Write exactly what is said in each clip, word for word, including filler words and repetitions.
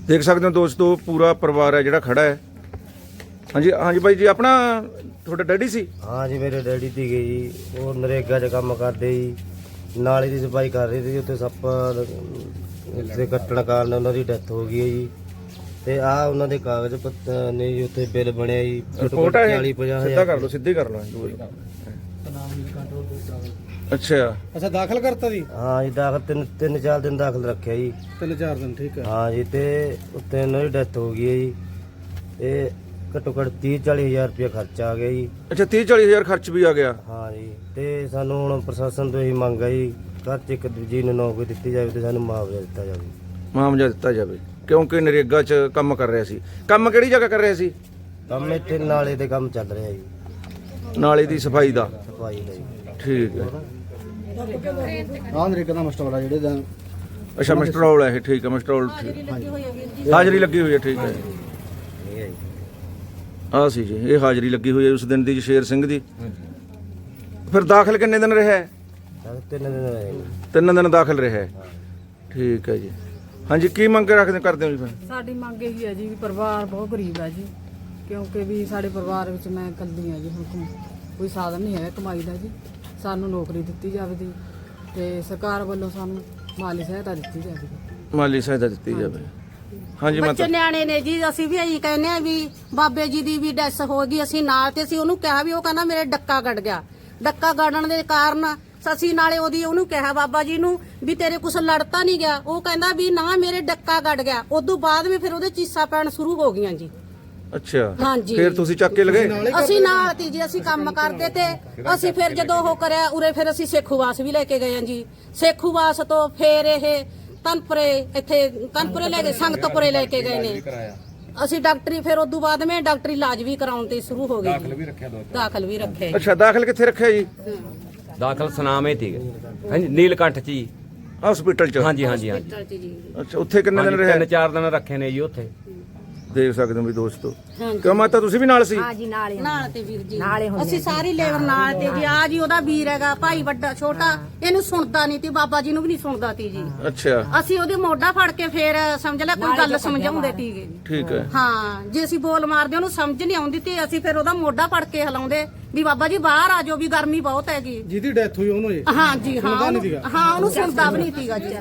देख सकते हो दोस्तों पूरा परिवार है जिहड़ा खड़ा है। हाँ जी हाँ जी भाई जी, अपना थोड़ा डैडी सी? हाँ जी मेरे डैडी ती गई जी, वो नरेगा च काम करते जी, नाली की सफाई कर रही थी, उत्थे सप्प ਦੇ ਕੱਟਣ ਕਾਰਨ ਉਹਨਾਂ ਦੀ ਡੈਥ ਹੋ ਗਈ ਹੈ ਜੀ। ਤੇ ਆ ਉਹਨਾਂ ਦੇ ਕਾਗਜ਼ ਪੱਤਰ ਨੇ ਜੀ, ਉੱਥੇ ਬਿੱਲ ਬਣਿਆ ਜੀ ਰਿਪੋਰਟ ਹੈ ਚਾਲੀ ਪੰਜਾਹ ਸਿੱਧਾ ਕਰ ਲਓ, ਸਿੱਧੀ ਕਰ ਲਓ। ਅੱਛਾ ਅੱਛਾ ਦਾਖਲ ਕਰਤਾ ਜੀ? ਹਾਂ ਜੀ ਦਾਖਲ ਤਿੰਨ ਤਿੰਨ ਚਾਰ ਦਿਨ ਦਾਖਲ ਰੱਖਿਆ ਜੀ। ਤਿੰਨ ਚਾਰ ਦਿਨ ਠੀਕ ਹੈ। ਹਾਂ ਜੀ ਤੇ ਉੱਥੇ ਉਹਨਾਂ ਦੀ ਡੈਥ ਹੋ ਗਈ ਹੈ ਜੀ। ਤੇ ਘੱਟੋ ਘੱਟ ਤੀਹ ਚਾਲੀ ਹਜ਼ਾਰ ਰੁਪਇਆ ਖਰਚਾ ਆ ਗਿਆ ਜੀ। ਅੱਛਾ ਤੀਹ ਚਾਲੀ ਹਜ਼ਾਰ ਖਰਚ ਵੀ ਆ ਗਿਆ। ਹਾਂ ਜੀ ਤੇ ਸਾਨੂੰ ਹੁਣ ਪ੍ਰਸ਼ਾਸਨ ਤੋਂ ਇਹੀ ਮੰਗ ਹੈ ਜੀ, ਘਰ 'ਚ ਇੱਕ ਦੂਜੀ ਨੂੰ ਨੌਕਰੀ ਦਿੱਤੀ ਜਾਵੇ ਤੇ ਸਾਨੂੰ ਮੁਆਵਜ਼ਾ ਦਿੱਤਾ ਜਾਵੇ। ਮੁਆਵਜ਼ਾ ਦਿੱਤਾ ਜਾਵੇ ਕਿਉਂਕਿ ਨਰੇਗਾ 'ਚ ਕੰਮ ਕਰ ਰਿਹਾ ਸੀ। ਕੰਮ ਕਿਹੜੀ ਜਗ੍ਹਾ ਕਰ ਰਿਹਾ ਸੀ? ਕੰਮ ਇੱਥੇ ਨਾਲੇ ਦੇ ਕੰਮ ਚੱਲ ਰਿਹਾ ਜੀ, ਨਾਲੇ ਦੀ ਸਫਾਈ ਦਾ। ਸਫਾਈ ਦਾ ਜੀ। ਠੀਕ ਹੈ। ਆਹ ਨਰੇਗਾ ਦਾ ਮਸਟਰ ਜਿਹੜੇ ਦਾ ਅੱਛਾ ਮਸਟਰੋਲ ਹੈ ਇਹ, ਠੀਕ ਹੈ ਮਸਟਰੋਲ। ਹਾਜ਼ਰੀ ਲੱਗੀ ਹੋਈ ਹੈ, ਠੀਕ ਹੈ। ਇਹ ਹੈ ਜੀ। ਆ ਸੀ ਜੀ ਇਹ ਹਾਜ਼ਰੀ ਲੱਗੀ ਹੋਈ ਹੈ ਉਸ ਦਿਨ ਦੀ ਜੀ, ਸ਼ੇਰ ਸਿੰਘ ਦੀ। ਫਿਰ ਦਾਖਲ ਕਿੰਨੇ ਦਿਨ ਰਿਹਾ? ਦਾਖਲ ਤਿੰਨ ਦਿਨ ਰਹੇ ਜੀ। ਤਿੰਨ ਦਿਨ ਦਾਖਲ ਰਿਹਾ। ਠੀਕ ਹੈ ਜੀ। ਹਾਂਜੀ ਕੀ ਮੰਗ ਰੱਖਦੇ ਕਰਦੇ ਹੋ ਜੀ ਫਿਰ? ਸਾਡੀ ਮੰਗ ਇਹੀ ਹੈ ਜੀ ਵੀ ਪਰਿਵਾਰ ਬਹੁਤ ਗਰੀਬ ਹੈ ਜੀ, ਕਿਉਂਕਿ ਵੀ ਸਾਡੇ ਪਰਿਵਾਰ ਵਿੱਚ ਮੈਂ ਇਕੱਲੀ ਹਾਂ ਜੀ, ਹੁਣ ਕੋ- ਕੋਈ ਸਾਧਨ ਨਹੀਂ ਹੈ ਕਮਾਈ ਦਾ ਜੀ। ਸਾਨੂੰ ਨੌਕਰੀ ਦਿੱਤੀ ਜਾਵੇ ਜੀ ਤੇ ਸਰਕਾਰ ਵੱਲੋਂ ਸਾਨੂੰ ਮਾਲੀ ਸਹਾਇਤਾ ਦਿੱਤੀ ਜਾਵੇ। ਮਾਲੀ ਸਹਾਇਤਾ ਦਿੱਤੀ ਜਾਵੇ। ਹਾਂਜੀ ਬੱਚੇ ਮਾਤਾ ਨਿਆਣੇ ਨੇ ਜੀ, ਅਸੀਂ ਵੀ ਇਹੀ ਕਹਿੰਦੇ ਆ ਵੀ ਬਾਬੇ ਜੀ ਦੀ ਵੀ ਡੈਥ ਹੋ ਗਈ, ਅਸੀਂ ਨਾਲ ਤੇ ਅਸੀਂ ਉਹਨੂੰ ਕਿਹਾ ਵੀ ਉਹ ਕਹਿੰਦਾ ਮੇਰੇ ਡੱਕਾ ਗੜ ਗਿਆ। ਡੱਕਾ ਗੜਨ ਦੇ ਕਾਰਨ ਅਸੀਂ ਨਾਲੇ ਉਹਦੀ ਉਹਨੂੰ ਕਿਹਾ ਬਾਬਾ ਜੀ ਨੂੰ ਵੀ ਤੇਰੇ ਕੁਛ ਲੜਤਾ ਨਹੀਂ ਗਿਆ, ਉਹ ਕਹਿੰਦਾ ਵੀ ਨਾ ਮੇਰੇ ਡੱਕਾ ਗੜ ਗਿਆ। ਉਦੋਂ ਬਾਅਦ ਵੀ ਫਿਰ ਉਹਦੇ ਚੀਸਾਂ ਪੈਣ ਸ਼ੁਰੂ ਹੋ ਗਈਆਂ ਜੀ। ਅੱਛਾ ਹਾਂਜੀ। ਫਿਰ ਤੁਸੀਂ ਚੱਕ ਕੇ ਲਗੇ? ਅਸੀਂ ਨਾਲ ਤੀ ਜੀ, ਅਸੀਂ ਕੰਮ ਕਰਦੇ ਤੇ ਅਸੀਂ ਫਿਰ ਜਦੋਂ ਉਹ ਕਰਿਆ ਉਰੇ ਫਿਰ ਅਸੀਂ ਸੇਖੂਵਾਸ ਵੀ ਲੈ ਕੇ ਗਏ ਹਾਂ ਜੀ। ਸੇਖੂਵਾਸ ਤੋਂ ਫਿਰ ਇਹ ਕਨਪੁਰੇ ਇੱਥੇ ਕਨਪੁਰੇ ਲੈ ਗਏ, ਸੰਗਤਪੁਰੇ ਲੈ ਕੇ ਗਏ ਨੇ ਅਸੀਂ ਡਾਕਟਰੀ। ਫਿਰ ਉਦੋਂ ਬਾਅਦ ਮੈਂ ਡਾਕਟਰੀ ਇਲਾਜ ਵੀ ਕਰਾਉਣ ਤੇ ਸ਼ੁਰੂ ਹੋ ਗਈ। ਦਾਖਲ ਵੀ ਰੱਖਿਆ ਦੋ ਦਾਖਲ ਵੀ ਰੱਖਿਆ। ਅੱਛਾ ਦਾਖਲ ਕਿੱਥੇ ਰੱਖਿਆ ਜੀ? ਦਾਖਲ ਸੁਨਾਮੇ ਤੀ ਹਾਂਜੀ ਨੀਲਕੰਠ ਚ ਜੀ, ਹਸਪੀਟਲ ਚ? ਹਾਂਜੀ ਹਾਂਜੀ ਹਾਂਜੀ ਅੱਛਾ ਉੱਥੇ ਕਿੰਨੇ ਦਿਨ ਤਿੰਨ ਰਿਹਾ? ਚਾਰ ਦਿਨ ਰੱਖੇ ਨੇ ਜੀ ਉੱਥੇ। ਦੇਖ ਸਕਦੇ ਹੋ ਵੀ ਦੋਸਤੋ। ਕਿਉਂ ਮਾਤਾ ਤੁਸੀਂ ਵੀ ਨਾਲ ਸੀ? ਹਾਂਜੀ ਨਾਲੇ ਨਾਲ ਤੇ ਵੀਰ ਜੀ ਅਸੀਂ ਸਾਰੀ ਲੇਬਰ ਨਾਲ ਤੇ ਜੀ। ਆ ਜੀ ਉਹਦਾ ਵੀਰ ਹੈਗਾ ਭਾਈ ਵੱਡਾ ਛੋਟਾ, ਇਹਨੂੰ ਸੁਣਦਾ ਨਹੀਂ ਤੀ, ਬਾਬਾ ਜੀ ਨੂੰ ਵੀ ਨਹੀਂ ਸੁਣਦਾ ਤੀ ਜੀ। ਅੱਛਾ ਅਸੀਂ ਉਹਦੇ ਮੋਢਾ ਫੜ ਕੇ ਫੇਰ ਸਮਝ ਲੈ ਕੋਈ ਗੱਲ ਸਮਝਾਉਂਦੇ ਤੀਗੇ ਜੀ। ਠੀਕ ਹੈ। ਹਾਂ ਜੇ ਅਸੀਂ ਬੋਲ ਮਾਰਦੇ ਉਹਨੂੰ ਸਮਝ ਨਹੀਂ ਆਉਂਦੀ ਤੇ ਅਸੀਂ ਫਿਰ ਉਹਦਾ ਮੋਢਾ ਫੜ ਕੇ ਹਿਲਾਉਂਦੇ ਵੀ ਬਾਬਾ ਜੀ ਬਾਹਰ ਆ ਜਾਓ ਵੀ ਗਰਮੀ ਬਹੁਤ ਹੈਗੀ। ਜਿਹਦੀ ਡੈਥ ਹੋਈ ਉਹਨੂੰ ਜੀ? ਹਾਂ ਜੀ ਹਾਂ ਉਹਨੂੰ- ਹਾਂ ਉਹਨੂੰ ਸੁਣਦਾ ਵੀ ਨਹੀਂ ਤੀਗਾ ਜੀ।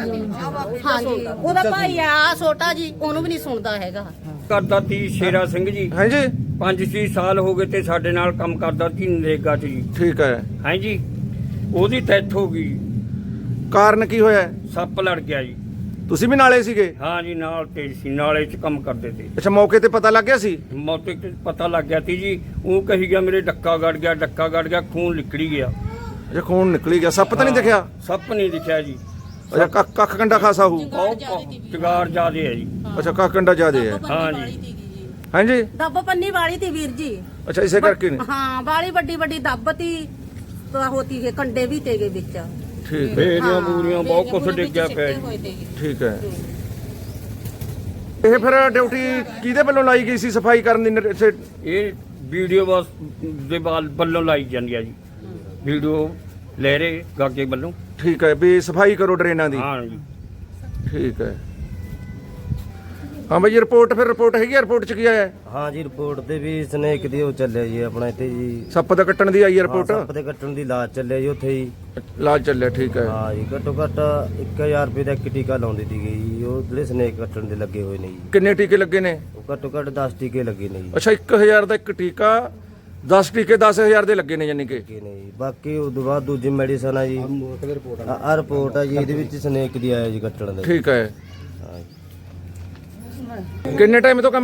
ਹਾਂ ਜੀ ਉਹਦਾ ਭਾਈ ਆ ਛੋਟਾ ਜੀ, ਉਹਨੂੰ ਵੀ ਨਹੀਂ ਸੁਣਦਾ ਹੈਗਾ। ਕਰਦਾ ਤੀ ਸ਼ੇਰਾ ਸਿੰਘ ਜੀ, ਹਾਂਜੀ ਪੰਜ ਛੇ ਸਾਲ ਹੋ ਗਏ ਤੇ ਸਾਡੇ ਨਾਲ ਕੰਮ ਕਰਦਾ ਸੀ ਨਰੇਗਾ 'ਚ ਜੀ। ਠੀਕ ਹੈ। ਹਾਂਜੀ ਉਹਦੀ ਡੈਥ ਹੋ ਗਈ। ਕਾਰਨ ਕੀ ਹੋਇਆ? ਸੱਪ ਲੜ ਗਿਆ ਜੀ। ਤੁਸੀਂ ਵੀ ਨਾਲੇ ਸੀਗੇ? ਹਾਂ ਜੀ ਨਾਲ ਤੇ ਸੀ, ਨਾਲੇ 'ਚ ਕੰਮ ਕਰਦੇ ਤੇ। ਅੱਛਾ ਮੌਕੇ ਤੇ ਪਤਾ ਲੱਗ ਗਿਆ ਸੀ? ਮੌਕੇ ਤੇ ਪਤਾ ਲੱਗ ਗਿਆ ਤੀ ਜੀ। ਉਹ ਕਹੀ ਗਿਆ ਮੇਰੇ ਡੱਕਾ ਗੜ ਗਿਆ, ਡੱਕਾ ਗੜ ਗਿਆ, ਖੂਨ ਨਿਕਲੀ ਗਿਆ। ਅੱਛਾ ਖੂਨ ਨਿਕਲੀ ਗਿਆ। ਸੱਪ ਤਾਂ ਨਹੀਂ ਦਿਖਿਆ? ਸੱਪ ਨਹੀਂ ਦਿਖਿਆ ਜੀ। ਅੱਛਾ ਕੱਖ ਕੱਖ ਕੰਡਾ ਖਾਸਾ ਹੋਊ? ਬਹੁਤ ਚਗਾਰ ਜ਼ਿਆਦੇ ਹੈ ਜੀ। ਅੱਛਾ ਕੱਖ ਕੰਡਾ ਜ਼ਿਆਦੇ ਹੈ। ਹਾਂ ਜੀ ਹਾਂਜੀ ਦੱਬ ਪੰਨੀ ਵਾਲੀ ਤੀ ਵੀਰ ਜੀ। ਅੱਛਾ ਇਸੇ ਕਰਕੇ ਨਹੀਂ? ਹਾਂ ਵਾਲੀ ਵੱਡੀ ਵੱਡੀ ਦੱਬ ਤੀ ਤਾਂ ਹੋਤੀ ਹੈ, ਕੰਡੇ ਵੀ ਤੇਗੇ ਵਿੱਚ। ਠੀਕ ਹੈ। ਬੇਰੀਆਂ ਬੂਰੀਆਂ ਬਹੁਤ ਕੁਛ ਡਿੱਗਿਆ ਪਿਆ ਜੀ। ਠੀਕ ਹੈ। ਇਹ ਫਿਰ ਡਿਊਟੀ ਕਿਹਦੇ ਵੱਲੋਂ ਲਾਈ ਗਈ ਸੀ ਸਫਾਈ ਕਰਨ ਦੀ? ਨਰ- ਇੱਥੇ ਇਹ ਵੀਡੀਓ ਬਸ ਦੇ ਬਾਲ ਵੱਲੋਂ ਲਾਈ ਜਾਂਦੀ ਆ ਜੀ। ਵੀਡੀਓ ਲੈ ਰਹੇ ਗਾਗੇ ਵੱਲੋਂ। ਠੀਕ ਹੈ ਵੀ ਸਫਾਈ ਕਰੋ ਡਰੇਨਾਂ ਦੀ। ਹਾਂ ਜੀ ਠੀਕ ਹੈ। ਹਾਂ ਬਾਈ ਰਿਪੋਰਟ ਫਿਰ ਰਿਪੋਰਟ ਹੈਗੀ ਆ? ਰਿਪੋਰਟ ਚ ਕੀ ਆਇਆ? ਹਾਂ ਜੀ ਰਿਪੋਰਟ ਤੇ ਵੀ ਸਨੇਕ ਦੀ ਉਹ ਚੱਲਿਆ ਜੀ ਆਪਣਾ ਇੱਥੇ ਜੀ। ਸੱਪ ਦਾ ਕੱਟਣ ਦੀ ਆਈ ਹੈ ਹਾਂ, ਰਿਪੋਰਟ? ਸੱਪ ਦੇ ਕੱਟਣ ਦੀ ਲਾਜ ਚੱਲਿਆ ਜੀ ਉੱਥੇ ਜੀ। ਇਲਾਜ ਚੱਲਿਆ। ਠੀਕ ਹੈ। ਹਾਂ ਜੀ ਘੱਟੋ ਘੱਟ ਇੱਕ ਹਜ਼ਾਰ ਰੁਪਏ ਦਾ ਇੱਕ ਟੀਕਾ ਲਾਉਂਦੀ ਸੀ ਜੀ। ਉਹ ਜਿਹੜੇ ਸਨੇਕ ਕੱਟਣ ਦੇ ਲੱਗੇ ਹੋਏ ਨੇ ਜੀ, ਕਿੰਨੇ ਟੀਕੇ ਲੱਗੇ ਨੇ? ਉਹ ਘੱਟੋ ਘੱਟ ਦਸ ਟੀਕੇ ਲੱਗੇ ਨੇ ਜੀ। ਅੱਛਾ ਇੱਕ ਹਜ਼ਾਰ ਦਾ ਇੱਕ ਟੀਕਾ, ਦਸ ਟੀਕੇ ਦਸ ਹਜ਼ਾਰ ਦੇ ਲੱਗੇ ਨੇ ਯਾਨੀ ਕਿ। ਟੀਕੇ ਨੇ ਜੀ। ਬਾਕੀ ਉਸ ਤੋਂ ਬਾਅਦ ਦੂਜੀ ਮੈਡੀਸਨ ਆ ਜੀ। ਆ ਰਿਪੋਰਟ ਆ ਜੀ, ਇਹਦੇ ਵਿੱਚ ਸਨੇਕ ਦੀ ਆਇਆ ਜੀ ਕੱਟਣ ਦਾ। ਠੀਕ ਹੈ। ਹਾਂ ਜੀ। ਕਿੰਨੇ ਟਾਈਮ ਤੋਂ ਕੰਮ